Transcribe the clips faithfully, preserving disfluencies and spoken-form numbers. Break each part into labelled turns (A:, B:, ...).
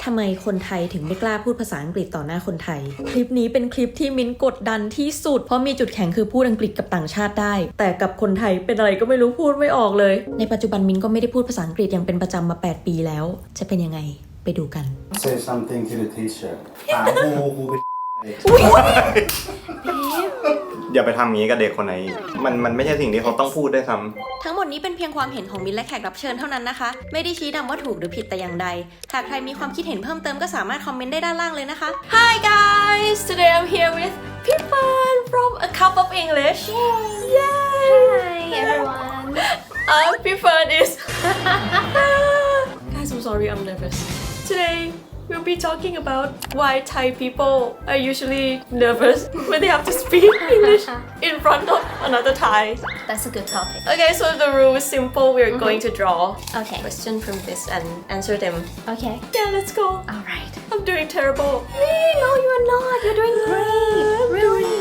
A: ทำไมคนไทยถึงไม่กล้าพูดภาษาอังกฤษต่อหน้าคนไทยคลิปนี้เป็นคลิปที่มิ้นกดดันที่สุดเพราะมีจุดแข็งคือพูดอังกฤษกับต่างชาติได้แต่กับคนไทยเป็นอะไรก็ไม่รู้พูดไม่ออกเลยในปัจจุบันมิ้นก็ไม่ได้พูดภาษาอังกฤษอย่างเป็นประจำมาแปดปีแล้วจะเป็นยังไงไปดูกัน
B: Say something to the teacher ถามครูครูเป็น
C: อย่าไปทำอย่างนี้กับเด็กคนไหนมันมันไม่ใช่สิ่งที่เขาต้องพูดด้วยซ้ำ
A: ทั้งหมดนี้เป็นเพียงความเห็นของมิ้นและแขกรับเชิญเท่านั้นนะคะไม่ได้ชี้นำว่าถูกหรือผิดแต่อย่างใดหากใครมีความคิดเห็นเพิ่มเติมก็สามารถคอมเมนต์ได้ด้านล่างเลยนะคะ Hi guys today I'm here with Pipan from A Cup of English Yay
D: Hi everyone
A: uh, Pipan is Guys I'm sorry I'm nervous Today we'll be talking about why Thai people are usually nervous when they have to speak English in front of another Thai.
D: That's a good topic.
A: Okay, so the rule is simple. We're mm-hmm. going to draw
D: okay.
A: a question from this and answer them.
D: Okay.
A: Yeah, let's go.
D: All right.
A: I'm doing terrible.
D: No, you're not. You're doing great. Really.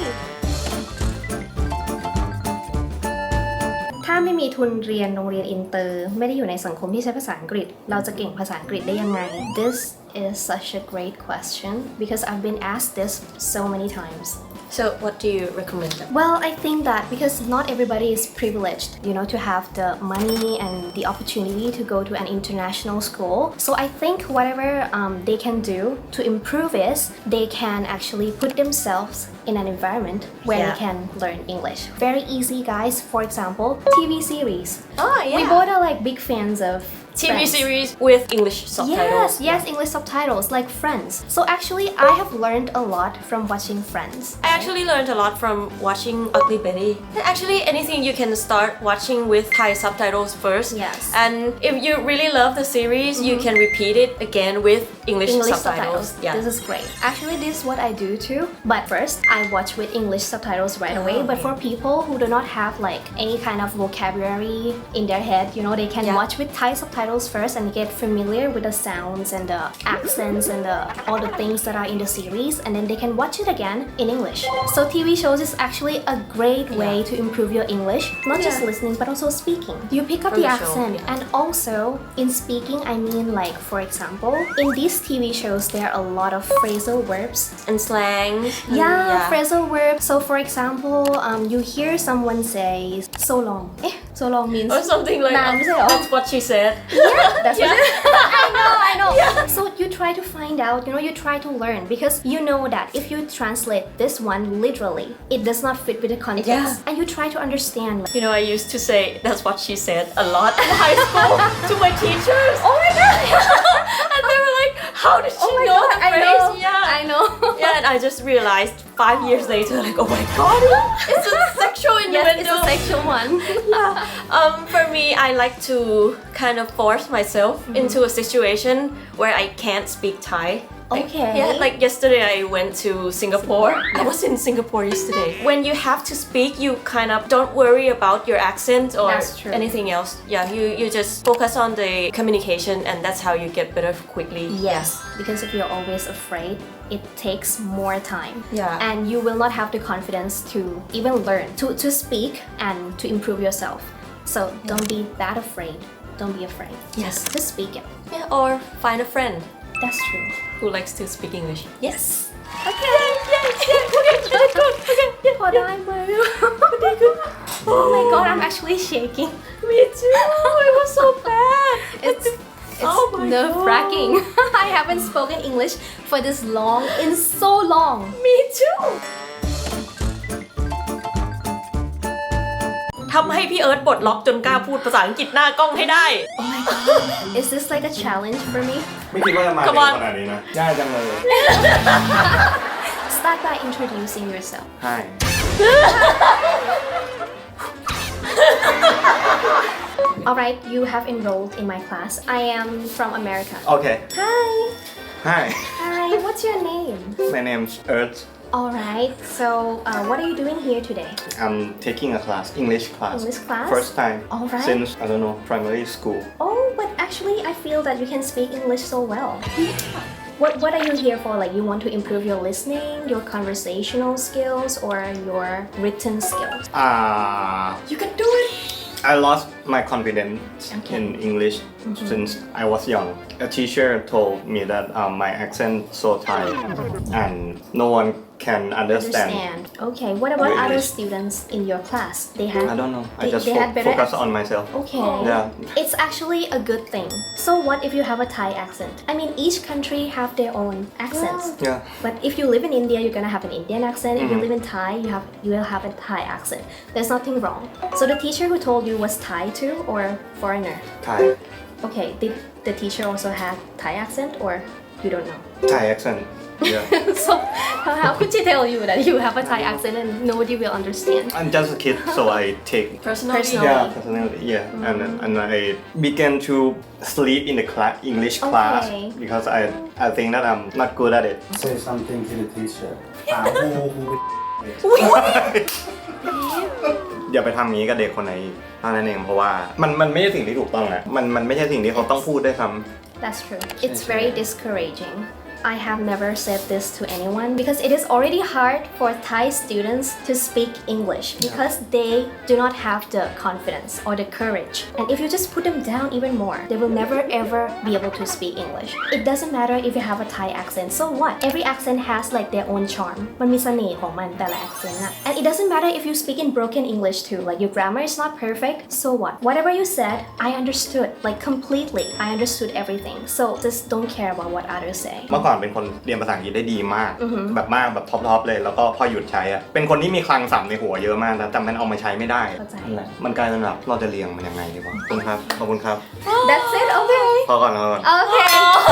D: ถ้าไม่มีทุนเรียนโรงเรียนอินเตอร์ไม่ได้อยู่ในสังคมที่ใช้ภาษาอังกฤษเราจะเก่งภาษาอังกฤษได้ยังไง This is such a great question because I've been asked this so many times.
A: So what do you recommend?
D: Well, I think that because not everybody is privileged, you know, to have the money and the opportunity to go to an international school. So I think whatever um, they can do to improve is they can actually put themselves in an environment where
A: yeah.
D: they can learn English. Very easy, guys. For example, T V series.
A: Oh, yeah.
D: We both are like big fans of
A: T V
D: Friends.
A: series with English subtitles.
D: Yes, yes, English subtitles like Friends. So actually, I have learned a lot from watching Friends.
A: I actually learned a lot from watching Ugly Betty. Actually, anything you can start watching with Thai subtitles first.
D: Yes.
A: And if you really love the series, mm-hmm. you can repeat it again with English,
D: English
A: subtitles.
D: subtitles.
A: Yeah.
D: This is great. Actually, this is what I do too. But first, I watch with English subtitles right away.
A: Oh,
D: but
A: okay.
D: for people who do not have like any kind of vocabulary in their head, you know, they can
A: yeah.
D: watch with Thai subtitles first and get familiar with the sounds and the accents and the, all the things that are in the series, and then they can watch it again in English. So T V shows is actually a great way yeah. to improve your English, not yeah. just listening but also speaking. You pick up
A: From
D: the,
A: the
D: accent,
A: show, yeah.
D: and also in speaking, I mean like for example, in these T V shows there are a lot of phrasal verbs
A: and slangs.
D: Yeah, yeah, phrasal verbs. So for example, um, you hear someone say so long. Eh, so long means
A: or something like
D: nah,
A: um, that's what she said.
D: Yeah, that's
A: yeah.
D: what I know, I know.
A: Yeah.
D: So you try to find out, you know, you try to learn because you know that if you translate this one literally, it does not fit with the context.
A: Yeah.
D: And you try to understand.
A: You know, I used to say that's what she said a lot in high school to my teachers.
D: Oh my god!
A: And they were like, how did she
D: oh my
A: know
D: god,
A: the
D: I
A: phrase?
D: know.
A: Yeah.
D: I know.
A: Yeah, and I just realized five years later, like, oh my god, it's a sexual innuendo.
D: Yes, it's a sexual one.
A: Yeah. Um, for me, I like to kind of force myself mm-hmm. into a situation where I can't speak Thai. Like,
D: okay.
A: Yeah, like yesterday I went to Singapore. Yeah. I was in Singapore yesterday. When you have to speak, you kind of don't worry about your accent or anything else. Yeah, you, you just focus on the communication and that's how you get better quickly.
D: Yes, because if you're always afraid, it takes more time.
A: Yeah.
D: And you will not have the confidence to even learn, to, to speak and to improve yourself. So yeah. don't be that afraid. Don't be afraid.
A: Yes.
D: Just speak it.
A: Yeah, or find a friend.
D: That's true.
A: Who likes to speak English.
D: Yes.
A: Okay. Yeah, yeah, yeah. Okay, that's good. Okay, yeah.
D: Hold on,
A: okay, good.
D: Oh my god, I'm actually shaking.
A: Me too. It was so bad.
D: It's it's
A: oh my
D: nerve-wracking. I haven't spoken English for this long in so long.
A: Me too. ทำให้พี่เอิร์ธปลดล็อกจนกล้าพูดภาษาอังกฤษหน้ากล้องให้ได้
D: Oh my god. Is this like a challenge for me?
C: ไม่คิดว่าจะมาเร็วขนาดนี้นะยากจังเลย
D: Start by introducing yourself.
C: Hi.
D: Alright, you have enrolled in my class. I am from America.
C: Okay.
D: Hi.
C: Hi.
D: Hi, what's your name?
C: My name's Earth.
D: Alright, so uh, what are you doing here today?
C: I'm taking a class, English class.
D: English class?
C: First time.
D: Alright.
C: Since, I don't know, primary school.
D: Oh, but actually I feel that you can speak English so well. What, what are you here for? Like you want to improve your listening, your conversational skills, or your written skills?
C: Ah.
A: You can do it.
C: I lost my confidence
D: Okay.
C: in English since I was young. A teacher told me that um, my accent so Thai and no one can understand.
D: Understand. Okay. What about
C: Your
D: other
C: English.
D: students in your class? They had.
C: I don't know. I
D: They,
C: just
D: they
C: fo-
D: had better
C: focus
D: accent?
C: on myself.
D: Okay.
C: Yeah.
D: It's actually a good thing. So what if you have a Thai accent? I mean, each country have their own accents.
C: Yeah.
D: But if you live in India, you're gonna have an Indian accent. If you live in Thai, you have you will have a Thai accent. There's nothing wrong. So the teacher who told you was Thai too, or foreigner?
C: Thai.
D: Okay. Did the teacher also have Thai accent, or you don't know?
C: Thai accent. Yeah.
D: So how, how could she tell you that you have a Thai accent and nobody will understand?
C: I'm just a kid, so I take.
A: personally
D: Personal.
C: Yeah, personality. Yeah, and and I began to sleep in the class, English class
D: Okay.
C: because I I think that I'm not good at it.
B: Say something to the teacher ถามครูครูเป็น
C: อย่าไปทำงี้กับเด็กคนไหนอีกเท่านั้นเองเพราะว่ามันมันไม่ใช่สิ่งที่ถูกต้องนะมันมันไม่ใช่สิ่งที่เขาต้องพูดด้วยซ้ำ
D: That's true. It's very discouraging. I have never said this to anyone because it is already hard for Thai students to speak English because they do not have the confidence or the courage. And if you just put them down even more, they will never ever be able to speak English. It doesn't matter if you have a Thai accent. So what? Every accent has like their own charm. มันมีเสน่ห์ของมันแต่ละ accent อะ And it doesn't matter if you speak in broken English too. Like your grammar is not perfect. So what? Whatever you said, I understood like completely. I understood everything. So just don't care about what others say.
C: เมื่อก่อนเป็นคนเรียนภาษาอังกฤษได้ดีมาก แบบมากแบบท็อปๆเลยแล้วก็พอหยุดใช้อะเป็นคนที่มีคลังศัพท์ในหัวเยอะมากนะแต่มันเอามาใช้ไม่ได้
D: เข้าใจ
C: นั่นแหละมันกลายเป็นแบบเราจะเรียงมันยังไงดีวะขอบคุณครับขอบคุณครับ
D: That's it. Okay.
C: พอก่อนพอก่อน
D: Okay.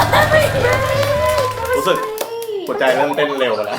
C: รู้สึกหัวใจเริ่มเต้นเร็วแล้ว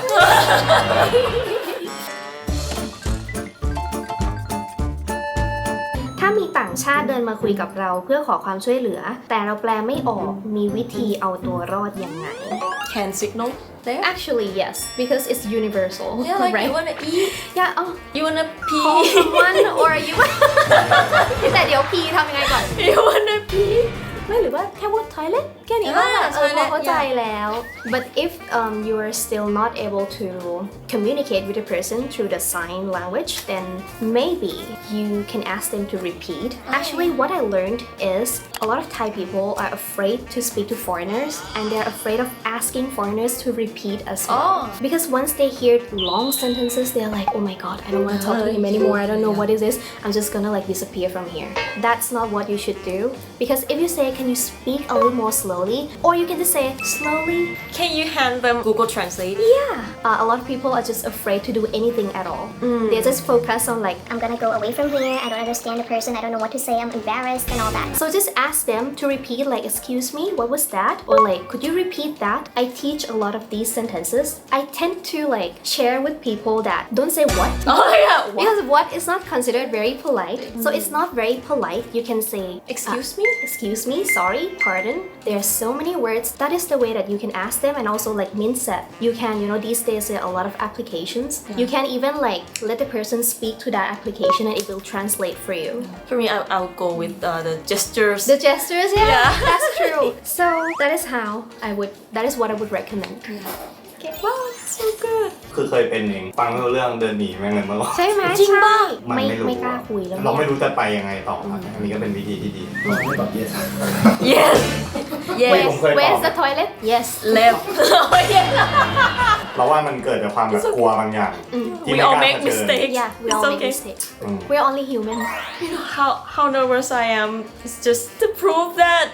D: ถ้ามีต่างชาติเดินมาคุยกับเราเพื่อขอความช่วยเหลือ แต่เราแปลไม่ออกมีวิธีเอาตัวรอดยังไง
A: hand signal there
D: Actually yes because it's universal
A: yeah like
D: right
A: you wanna eat
D: yeah oh
A: you wanna
D: call
A: pee
D: someone or you แต่เดี๋ยวพีทำยังไงก่อน
A: you wanna pee
D: ไม่หรือว่าแค่พูด toilet แค่นี้ก็
A: อ่า
D: เออ
A: toilet
D: เข้าใจแล้ว but if um, you are still not able to communicate with the person through the sign language then maybe you can ask them to repeat actually what I learned is a lot of Thai people are afraid to speak to foreigners and they're afraid of asking foreigners to repeat as well
A: Oh.
D: because once they hear long sentences they're like oh my god I don't want to talk to him anymore I don't know what is this I'm just gonna like disappear from here that's not what you should do because if you say can you speak a little more slowly or you can just say slowly
A: can you hand them Google Translate
D: yeah uh, a lot of people are just afraid to do anything at all they just focus on like
E: I'm gonna go away from here. I don't understand the person. I don't know what to say. I'm embarrassed and all that.
D: so just ask them to repeat like excuse me what was that or like could you repeat that I teach a lot of these sentences I tend to like share with people that don't say what
A: oh yeah what?
D: because what is not considered very polite so it's not very polite you can say
A: Excuse
D: uh,
A: me?
D: excuse me sorry pardon there are so many words that is the way that you can ask them and also like minset you can you know these days there are a lot of applications you can even like let the person speak to that application and it will translate for you
A: for me I'll, I'll go with uh, the gestures
D: the gestures yeah,
A: Yeah.
D: that's true so that is how I would that is what I would recommend okay.
A: wow it's so good
C: คือเคยเป็นเองฟังไม่รู้เรื่องเดินหนีแม่งเลยเมื่อก่อน
D: ใช่ไหม
A: จริงป่ะ
C: มัน
D: ไม่
C: ไม่รู้
D: ไม่กล้าคุยแล้ว
C: เราไม่
D: เนี่ย
C: รู้จะไปยังไงต่อครับอันนี้ก็เป็นวิธีที่ดี
B: เราไม่ตอบ yes
A: yes
C: ไม่
A: yes
C: ผมเคยตอบ
D: Where's the toilet yes
A: left oh yeah
C: เราว่ามันเกิดจากความแบบกลัวบางอย่างที่
A: we
C: ไม่
A: all
C: กล้า
A: make
C: เผชิญ
A: mistakes
D: yeah we
A: it's
D: all make
A: okay
D: mistakes
C: อืม
D: we're only human
A: how how nervous I am is just to prove that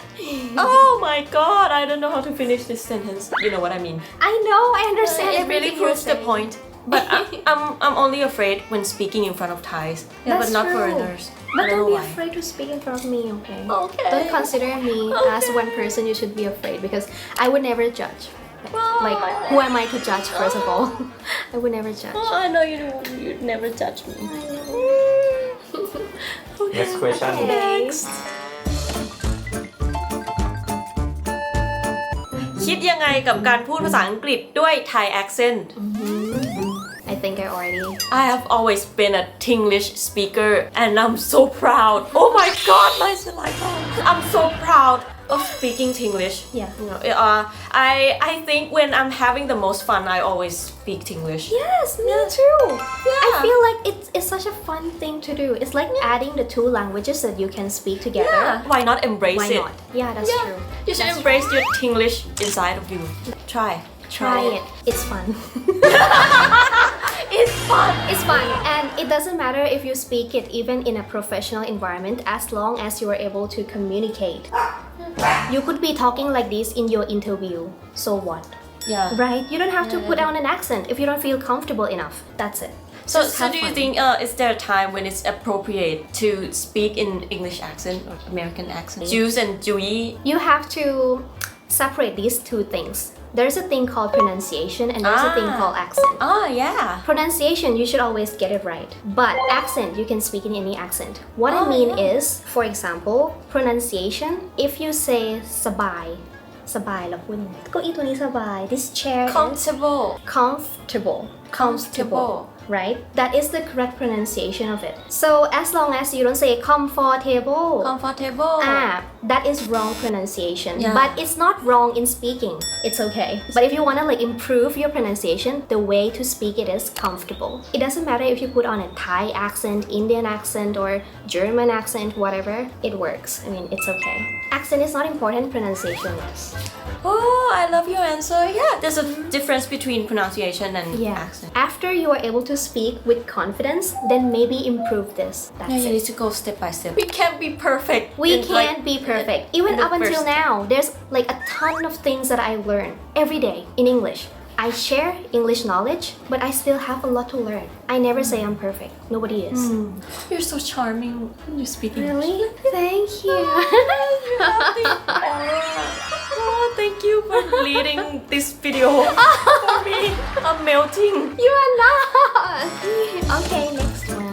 A: oh my god I don't know how to finish this sentence you know what I mean
D: I know I understand
A: it
D: everything
A: really
D: you're
A: proves the
D: saying.
A: point but I, I'm I'm only afraid when speaking in front of Thais yeah,
D: That's
A: but not
D: true.
A: foreigners I
D: But
A: don't
D: don't
A: know
D: be
A: why
D: afraid to speak in front of me, okay?
A: Okay.
D: Don't consider me as one person you should be afraid because I would never judge. Like, who am I to judge, first of all? I would never judge.
A: oh I know you you'd never judge me
C: next question
A: next คิดยังไงกับการพูดภาษาอังกฤษด้วย Thai accent
D: I think I already.
A: I have always been a Tinglish speaker and I'm so proud. Oh my god, my saliva. I'm so proud of speaking English.
D: Yeah.
A: You know, uh, I I think when I'm having the most fun, I always speak English.
D: Yes, me too. I feel like it's, it's such a fun thing to do. It's like adding the two languages that you can speak together.
A: Yeah. Why not embrace
D: Why
A: it?
D: not? Yeah, that's
A: Yeah.
D: true.
A: You should
D: That's
A: embrace your English inside of you. Try.
D: Try it. It's fun.
A: It's fun.
D: It's fun, and it doesn't matter if you speak it even in a professional environment as long as you are able to communicate. You could be talking like this in your interview. So what?
A: Yeah.
D: Right? You don't have to put on an accent if you don't feel comfortable enough. That's it.
A: So,
D: Just
A: so
D: have
A: do you
D: fun.
A: think uh, is there a time when it's appropriate to speak in English accent or American accent? Juice and Juyi.
D: You have to separate these two things. There's a thing called pronunciation and there's a thing
A: Ah.
D: called accent.
A: Oh yeah.
D: Pronunciation, you should always get it right. But accent, you can speak in any accent. What I
A: Oh,
D: mean
A: yeah.
D: is, for example, pronunciation, if you say สบาย สบายเราพูดยังไงเก้าอี้ตัวนี้สบาย this chair is
A: Comfortable.
D: comfortable
A: Comfortable.
D: right? That is the correct pronunciation of it. So as long as you don't say comfortable
A: Comfortable.
D: ah, that is wrong pronunciation.
A: Yeah.
D: But it's not wrong in speaking. It's okay. But if you want to like improve your pronunciation, the way to speak it is comfortable. It doesn't matter if you put on a Thai accent, Indian accent, or German accent, whatever. It works. I mean, it's okay. Accent is not important. Pronunciation is.
A: Oh, I love your answer. Yeah, there's a difference between pronunciation and
D: Yeah.
A: accent.
D: After you are able to speak with confidence, then maybe improve this. That's
A: Yeah, you
D: it.
A: need to go step by step. We can't be perfect.
D: We
A: in, like,
D: can't be perfect. Even
A: in the
D: up until
A: first-
D: now, there's like a ton of things that I learn every day in English. I share English knowledge, but I still have a lot to learn. I never say I'm perfect. Nobody is.
A: You're so charming when you speak English.
D: Really? Thank you.
A: Oh, thank you for leading this video for me. I'm melting.
D: You are not. Okay, next one.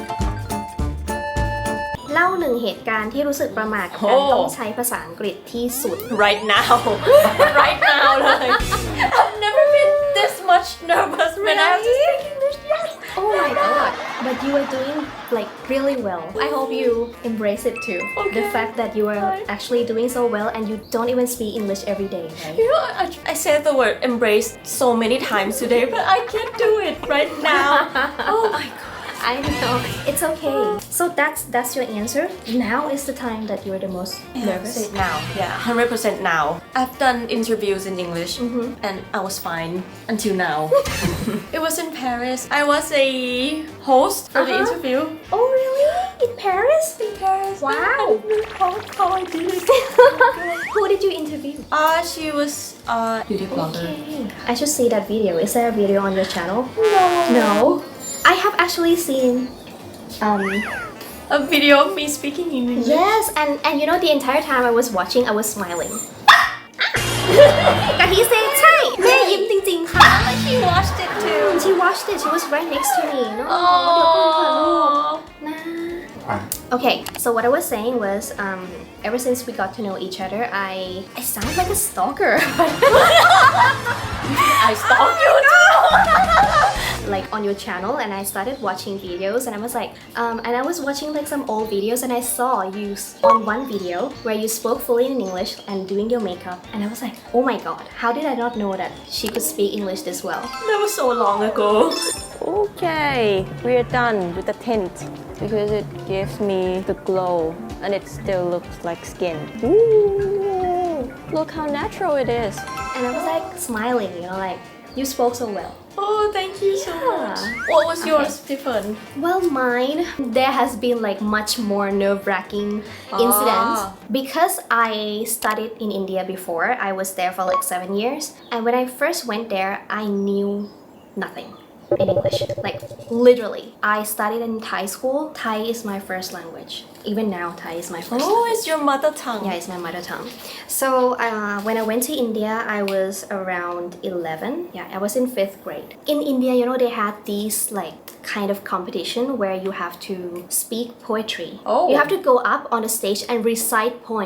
D: เล่าหนึ่งเหตุการณ์ที่รู้สึกประหม่ากับการ
A: โอ้
D: ต้องใช้ภาษาอังกฤษที่สุด
A: Right now. Right now. Like, I've never been this much nervous when I have to speak English. Yes.
D: Oh my god. But you are doing like really well. I hope you embrace it too.
A: Okay.
D: The fact that you are actually doing so well and you don't even speak English every day, right?
A: You know, I, I said the word embrace so many times today, but I can't do it right now. Oh my god.
D: I know. It's okay. So that's that's your answer. Now is the time that you're the most nervous.
A: Say now, yeah, one hundred percent now. I've done interviews in English and I was fine until now. It was in Paris. I was a host for the
D: Uh-huh.
A: interview.
D: Oh really? In Paris?
A: In Paris.
D: Wow.
A: I don't know how, how I did it.
D: Who did you interview?
A: Uh, she was a beauty blogger.
D: Okay. I should see that video. Is there a video on your channel?
A: No.
D: No. I have actually seen um
A: A video of me speaking in English.
D: yes, and and you know the entire time I was watching I was smiling. กะทิเซใช่แม่ยิ้มจริงๆค่ะ
A: She watched it too.
D: She watched it. She was right next to me. No, เดี๋ยวก่อนค่ะลูก
A: Oh.
D: นะ
B: อ่ะ
D: Okay, so what I was saying was, um, ever since we got to know each other, I I sound like a stalker.
A: I stalked you too.
D: Like on your channel, and I started watching videos, and I was like, um, and I was watching like some old videos, and I saw you s- on one video where you spoke fully in English and doing your makeup, and I was like, oh my god, how did I not know that she could speak English this well?
A: That was so long ago.
F: Okay, we're done with the tint because it gives me the glow and it still looks like skin. Ooh, look how natural it is.
D: And I was like smiling, you know, like you spoke so well.
A: Oh, thank you so much. What was yours, Tiffany?
D: Well, mine, there has been like much more nerve-wracking incidents
A: Ah.
D: because I studied in India before. I was there for like seven years, and when I first went there, I knew nothing in English. Like literally, I studied in Thai school. Thai is my first language. Even now, Thai is my first.
A: Oh, it's your mother tongue.
D: Yeah, it's my mother tongue. So uh, when I went to India, I was around eleven. Yeah, I was in fifth grade. In India, you know, they had these like kind of competition where you have to speak poetry.
A: Oh.
D: You have to go up on the stage and recite poems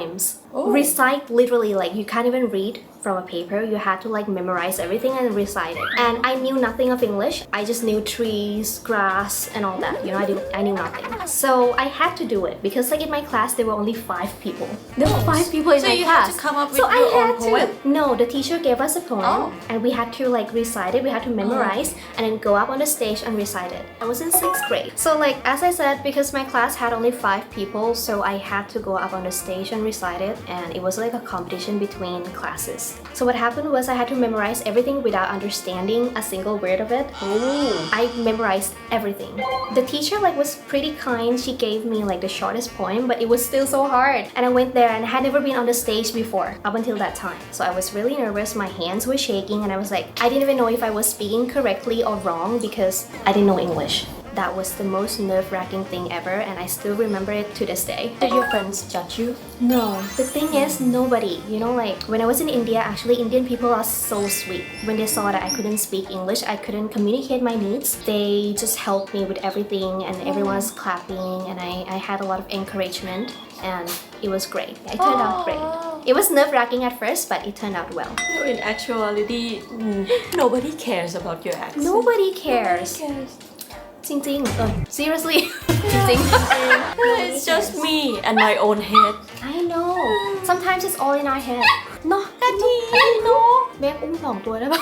D: recite literally, like you can't even read from a paper. You had to like memorize everything and recite it. And I knew nothing of English. I just knew trees, grass, and all that. You know, I didn't. I knew nothing. So I had to do it because like in my class there were only five people. There were five people in
A: So
D: my
A: you
D: class.
A: had to come up with
D: so
A: your
D: I had
A: own poem?
D: To. No, the teacher gave us a poem,
A: Oh.
D: and we had to like recite it. We had to memorize and then go up on the stage and recite it. I was in sixth grade. So like as I said, because my class had only five people, so I had to go up on the stage and recite it, and it was like a competition between classes. So what happened was I had to memorize everything without understanding a single word of it. I memorized everything. The teacher like was pretty kind. She gave me like the shortest poem, but it was still so hard. And I went there and I had never been on the stage before up until that time. So I was really nervous. My hands were shaking and I was like, I didn't even know if I was speaking correctly or wrong because I didn't know English. That was the most nerve-wracking thing ever, and I still remember it to this day.
A: Did your friends judge you?
D: No, the thing is, nobody. You know, like when I was in India, actually, Indian people are so sweet. When they saw that I couldn't speak English, I couldn't communicate my needs, they just helped me with everything, and everyone was clapping, and I, I had a lot of encouragement, and it was great. It turned out great. It was nerve-wracking at first, but it turned out well.
A: So in actuality, mm, nobody cares about your accent.
D: Nobody cares.
A: Nobody cares.
D: จริงๆ uh, seriously จริง
A: It's just me and my own head.
D: I know sometimes it's all in our head เนาะ
A: นาทีเนาะ
D: แบกอุ้มสองตัวได้ปะ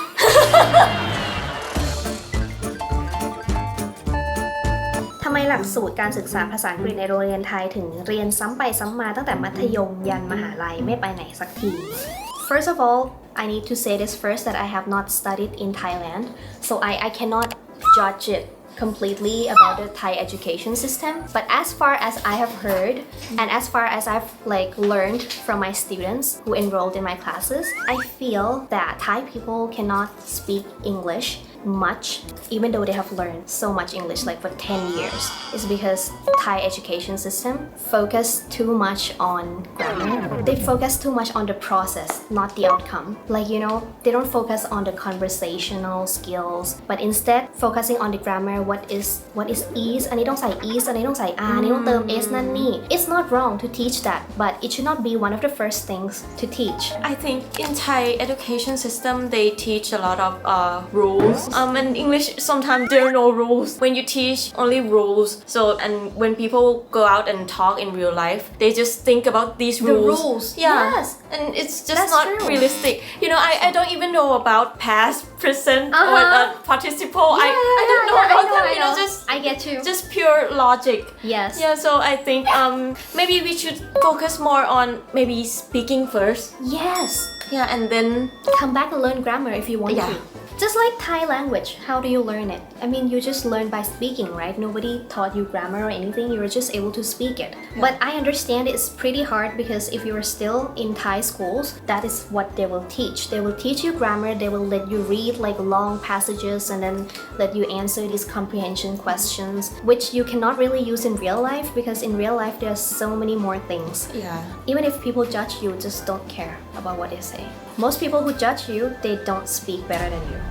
D: ทำไมหลักสูตรการศึกษาภาษาอังกฤษในโรงเรียนไทยถึงเรียนซ้ำไปซ้ำมาตั้งแต่มัธยมยันมหาลัยไม่ไปไหนสักที First of all I need to say this first that I have not studied in Thailand so I, I cannot judge it completely about the Thai education system but as far as I have heard and as far as I've like learned from my students who enrolled in my classes I feel that Thai people cannot speak English much even though they have learned so much English like for ten years is because Thai education system focus too much on grammar they focus too much on the process not the outcome like you know they don't focus on the conversational skills but instead focusing on the grammar what is what is is อันนี้ต้องใส่ is อันนี้ต้องใส่ r อันนี้ต้องเติม s นั่นนี่ it's not wrong to teach that but it should not be one of the first things to teach
A: I think in Thai education system they teach a lot of uh, rules. Um, in English sometimes there are no rules. When you teach only rules. So and when people go out and talk in real life, they just think about these
D: The
A: rules.
D: rules,
A: Yeah.
D: yes.
A: And it's just
D: That's
A: not
D: true.
A: realistic. You know, I, I don't even know about past, present, or
D: Uh-huh.
A: uh, participle. I, I don't know
D: yeah,
A: about
D: I know,
A: them.
D: I
A: You know,
D: know.
A: just
D: I get you
A: just pure logic.
D: yes
A: Yeah, so I think um maybe we should focus more on maybe speaking first.
D: yes
A: Yeah, and then
D: come back and learn grammar if you want
A: Yeah.
D: to. Just like Thai language, how do you learn it? I mean, you just learn by speaking, right? Nobody taught you grammar or anything, you were just able to speak it. But I understand it's pretty hard because if you are still in Thai schools, that is what they will teach. They will teach you grammar, they will let you read like long passages and then let you answer these comprehension questions, which you cannot really use in real life because in real life there's so many more things.
A: yeah.
D: Even if people judge you, just don't care about what they say. Most people who judge you, they don't speak better than you.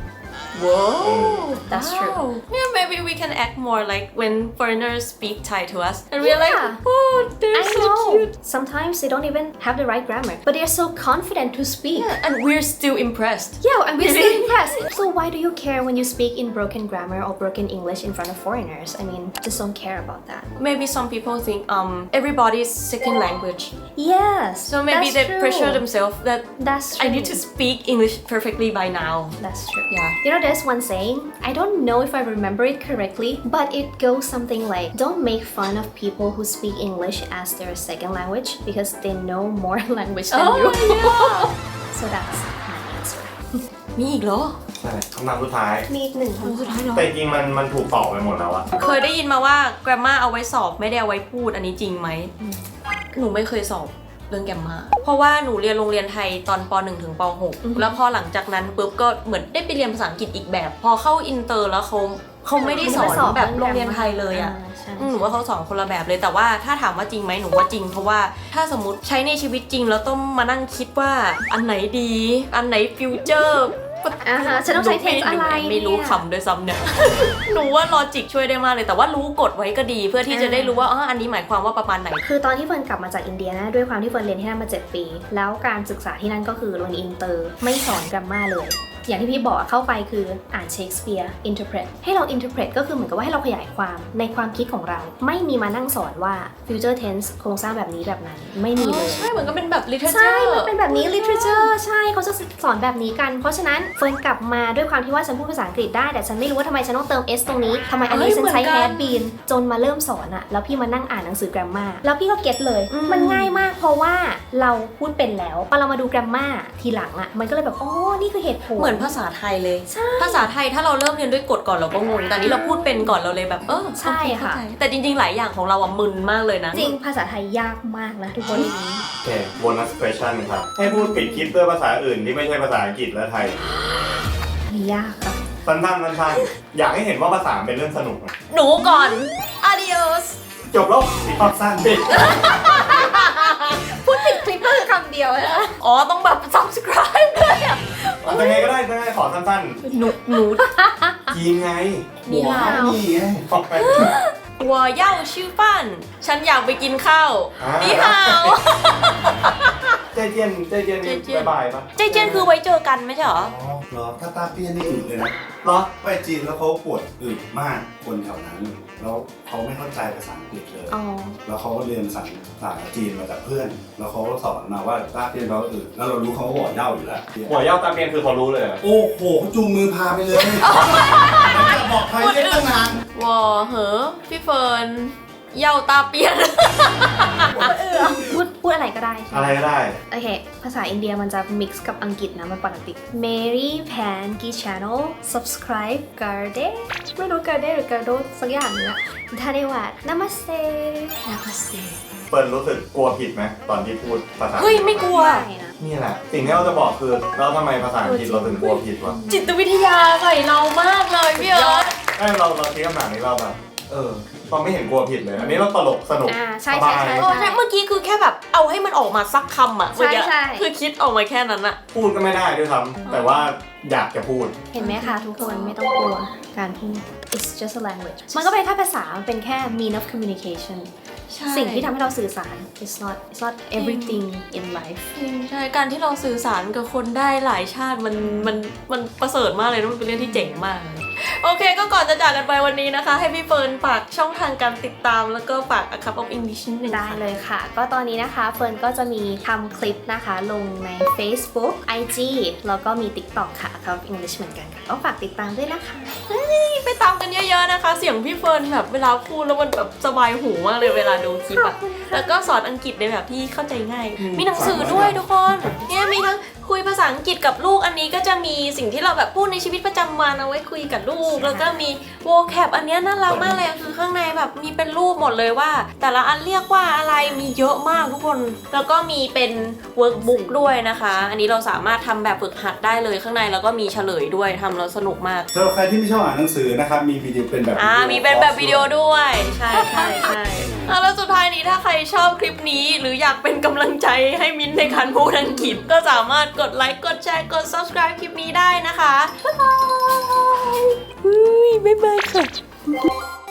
A: Whoa,
D: That's
A: wow.
D: true.
A: Yeah, maybe we can act more like when foreigners speak Thai to us, and we're
D: Yeah.
A: like, oh, they're
D: I
A: so
D: know.
A: cute.
D: Sometimes they don't even have the right grammar, but they're so confident to speak.
A: Yeah, and we're still impressed.
D: Yeah, and we're still impressed. So why do you care when you speak in broken grammar or broken English in front of foreigners? I mean, just don't care about that.
A: Maybe some people think um everybody's second language,
D: Yes.
A: so maybe
D: that's
A: they
D: true.
A: pressure themselves that
D: That's true.
A: I need to speak English perfectly by now.
D: That's true.
A: Yeah.
D: You know, there's one saying, I don't know if I remember it correctly, but it goes something like, don't make fun of people who speak English as their second language because they know more language than
A: Oh
D: you.
A: yeah.
D: So that's my answer.
A: มีอีกเหรอ
B: ใช่คำถามสุดท้าย
D: มีอีกหนึ่ง
A: สุดท้ายเหรอ
B: แต่จริงๆมันมันถูกตอบไปหมดแล้วอะ
A: เคยได้ยินมาว่า grammar เอาไว้สอบไม่ได้เอาไว้พูดอันนี้จริงไหม หนูไม่เคยสอบเรื่อง grammar เพราะว่าหนูเรียนโรงเรียนไทยตอนป หนึ่ง ถึงป หก แล้วพอหลังจากนั้นปุ๊บก็เหมือนได้ไปเรียนภาษาอังกฤษอีกแบบ พอเข้าอินเตอร์แล้วเขาเขาไม่ได้สอนแบบโรงเรียนไทยเลยอะ
D: ใช่
A: อืมหนูว่าเขาสอนคนละแบบเลยแต่ว่าถ้าถามว่าจริงไหมหนูว่าจริงเพราะว่าถ้าสมมติใช้ในชีวิตจริงแล้วต้องมานั่งคิดว่าอันไหนดี อันไหนฟิวเจอร์
D: อ่าฮะฉันต้องใช้ tense อะไร
A: ไม่รู้
D: เนี่ย
A: คำด้วยซ้ำเนี่ย หนูว่าลอจิกช่วยได้มากเลย แต่ว่ารู้กฎไว้ก็ดี เพื่อที่จะได้รู้ว่าอ๋ออันนี้หมายความว่าประมาณไหน
D: คือตอนที่เฟิร์นกลับมาจากอินเดียนะด้วยความที่เฟิร์นเรียนที่นั่นมาเจ็ดปี แล้วการศึกษาที่นั่นก็คือโรงเรียนอินเตอร์ไม่สอนกราฟมาเลย อย่างที่พี่บอกเข้าไปคืออ่านเชคสเปียร์ interpret ให้เรา interpret ก็คือเหมือนกับว่าให้เราขยายความในความคิดของเรา ไม่มีมานั่งสอนว่า future tense โครงสร้างแบบนี้แบบนั้นไม่มีเลย
A: ใช่เหมือนก็เป็นแบบ literature
D: ใช่ มันเป็นแบบนี้ literature ใช่ เขาจะสอนแบบนี้กัน เพราะฉะนั้นเฟิร์นกลับมาด้วยความที่ว่าฉันพูดภาษาอังกฤษได้ แต่ฉันไม่รู้ว่าทำไมฉันต้องเติม s ตรงนี้ทำไมอันนี้
A: เอ้ย
D: ฉันใช้
A: เหมือนกัน
D: had been จนมาเริ่มสอนอะแล้วพี่มานั่งอ่านหนังสือ grammar แล้วพี่ก็เก็ตเลย
A: อืม
D: มันง่ายมากเพราะว่าเราพูดเป็นแล้วพอเรามาดู grammar ทีหลังอะมันก็เลยแบบอ๋อนี่คือเหตุผล
A: เหมือนภาษาไทยเลย
D: ใช่
A: ภาษาไทยถ้าเราเริ่มเรียนด้วยกฎก่อนเราก็งง แต่อันนี้เราพูดเป็นก่อนเราเลยแบบเออ
D: ใช่ค่ะ
A: โอเเข้าใจแต่จริงๆหลายอย่างของเราอะมึนมากเลยนะ
D: จริงภาษาไทยยากมากนะทุกคน
C: โอเค bonus question ครับ ให้พูดปิดคลิปด้วยภาษาอื่นที่ไม่ใช่ภาษาอังกฤษและไทย
D: ยากค่ะ
C: สั้นๆสั้นๆอยากให้เห็นว่าภาษาเป็นเรื่องสนุกอะ
A: หนูก่อน adios
C: จบแล้วปิดภาพสั้นปิด
D: พูดติดคลิปก็คือคำเดียวนะ
A: อ๋อต้องแบบ subscribe ด้วยอะ
C: ยังไงก็ได้ยังไงขอสั้น
A: หนูหนู
C: ๆจีนไง
A: นี่ฮาว
B: นี่ไง
C: บอกไป
A: หัวเย่าชื่อปั้น ฉันอยากไปกินข้าว
C: อ่า
A: นี่ฮาว
C: ใจเย็นใจเย็น
A: ใจเย็น
C: บายบายปะ
A: ใจเจนคือไว้เจอกันไม่ใช่เหรอ
B: อ๋อเหรอถ้าตาเปี้ยนนี่อึเลยนะ
C: เหรอ
B: ไปจีนแล้วเขาปวดอึมากคนแถวนั้น แล้วเขาไม่เข้าใจภาษาอังกฤษเลย
D: อ๋อ
B: แล้วเขาก็เรียนภาษาภาษาจีนมาจากเพื่อน แล้วเขาก็สอนมาว่าตาเปี้ยนเราอึแล้วเรารู้เขาก็บอกเหย้าอยู่แล้ว
C: หัวเย่าตาเมียนคือเขารู้เลยเหรอ
B: โอ้โหเขาจูงมือพาไปเลยแล้วจะบอกใครเรียกตั้งนาน
A: วอเหอพี่เฟิร์นเย่าตาเปียน
D: พูดพูดอะไรก็ได้ใช่ไหม
C: อะไรก็ได้
D: โอเค ภาษาอินเดียมันจะ mix กับอังกฤษนะ มันปกติ Mary Pan Ki Channel subscribe Garde ไม่รู้ Garde หรือ Gardo สักอย่างเนี้ยทาเนวัด Namaste Namaste
C: เฟิร์นรู้สึกกลัวผิดไหมตอนที่พูดภาษา
A: เฮ้ยไม่กลัว
D: ไม่นะ
C: นี่แหละ สิ่งที่เราจะบอกคือเราทำไมภาษาอังกฤษเราถึงกลัวผิดวะ
A: จิตวิทยาใส่เรามากเลยพี่เอิร์ธ
C: ไอ้เราเราคิดคำถามนี้เราแบบเออเราไม่เห็นกลัวผิดเลย อันนี้เราตลกสนุก
D: อ่าใช่
C: ส
D: ใช่
C: บาย
D: ใช่
A: โอ้ใช่เมื่อกี้คือแค่แบบเอาให้มันออกมาสักคำอ่ะเมื่อกี้
D: ใช่ใช่
A: คือคิดออกมาแค่นั้นอะ
C: พูดก็ไม่ได้ด้วยซ้ำแต่ว่าอยากจะพูด
D: เห็นไหมคะทุกคนไม่ต้องกลัวการพูด it's just a language มันก็เป็นแค่ภาษา มันเป็นแค่ mean of communication สิ่งที่ทำให้เราสื่อสาร it's not it's not everything in life
A: จริงใช่การที่เราสื่อสารกับคนได้หลายชาติมันมันมันประเสริฐมากเลยนะมันเป็นเรื่องที่เจ๋งมากเลยโอเคก็ก่อนจะจากกันไปวันนี้นะคะ ให้พี่เฟิร์นฝากช่องทางการติดตามแล้วก็ฝาก A Cup of English นิดนึง
D: ได้
A: ค่ะ
D: เลยค่ะ ก็ตอนนี้นะคะเฟิร์นก็จะมีทำคลิปนะคะ ลงใน Facebook ไอ จี แล้วก็มี TikTok ค่ะ Account of English เหมือนกันค่ะก็ฝากติดตามด้วยนะคะ
A: ไปตามกันเยอะๆนะคะ เสียงพี่เฟิร์นแบบเวลาพูดแล้วมันแบบสบายหูมากเลยเวลาดูคลิปอะแล้วก็สอนอังกฤษในแบบที่เข้าใจง่าย มีหนังสือด้วยทุกคนเนี่ยมีทั้งคุยภาษาอังกฤษกับลูกอันนี้ก็จะมีสิ่งที่เราแบบพูดในชีวิตประจำวันเอาไว้คุยกับลูก แล้วก็มี vocab อันเนี้ยน่ารักมากเลยคือข้างในแบบมีเป็นรูปหมดเลยว่า แต่ละอันเรียกว่าอะไรมีเยอะมากทุกคน แล้วก็มีเป็น workbook ด้วยนะคะ อันนี้เราสามารถทำแบบฝึกหัดได้เลยข้างในแล้วก็มีเฉลยด้วยทำแล้วสนุกมาก
B: สำหรับใครที่ไม่ชอบอ่านหนังสือนะครับ มีวิดีโอเป็นแบบ
A: อ่ามีเป็นแบบวิดีโอด้วย ใช่ใช่ใช่อ่ะแล้วสุดท้ายนี้ถ้าใครชอบคลิปนี้หรืออยากเป็นกำลังใจให้มิ้นท์ในการพูดอังกฤษก็สามารถกดไลค์กดแชร์กด subscribe คลิปนี้ได้นะคะ บ๊ายบาย บ๊ายบายค่ะ